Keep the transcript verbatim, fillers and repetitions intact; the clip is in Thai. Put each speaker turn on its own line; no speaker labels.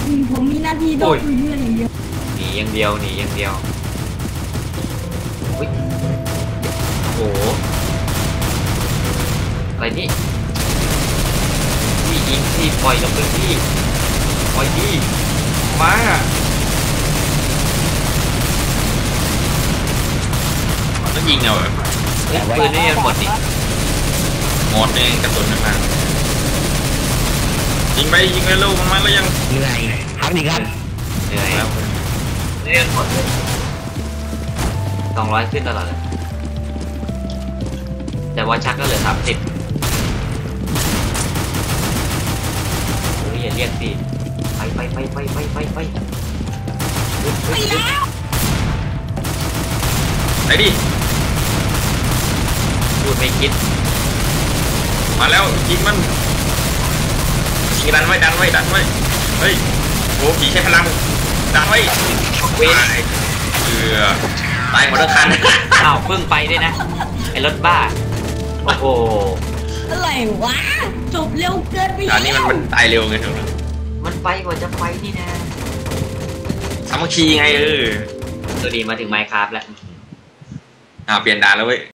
ผมมีหน้าที่โดนเพื่อนอย่างเดียว
หนีอย่างเดียวหนีอย่างเดียวอุ้ยโอ้โหอะไรนี่พี่ยิงที่ปล่อยลงไปที่ปล่อยที่มา
ก็ยิงเอาแบบ
ปืนนี่มันหมดดิ
หมดเองกระสุนมันมายิงไปยิงไปลูกมันมาแล้วยัง
เหนื่อยพักดีครับ
เหนื่อย
แล้ว
เรียนหมดเลยสองร้อยขึ้นตลอดเลยแต่ว่าชักก็เหลือสามสิบเฮ้ยอย่าเรียกสิไปไปไปไปไปไปไปไปแล้ว
ไปดิ
พูดไม่คิด
มาแล้วยิงมันยิงดันไว้ดันไว้ดันไว้เฮ้ยโอ้ผีใช้พลังดันไว้
เว้ย
เอือตายหมดทั้งคัน
อ้าวเพิ่งไปด้วยนะไอ้รถบ้าโอ้โห
อะไรวะจบเร็วเกินไป
อันนี้มันมันตายเร็วไงถูกไหม
มันไปกว่าจะไปนี่นะ
สามัคคีไงเออ
ตัวดีมาถึงไมค์คราฟแล้ว
อ่าเปลี่ยนด่านแล้วเว้ย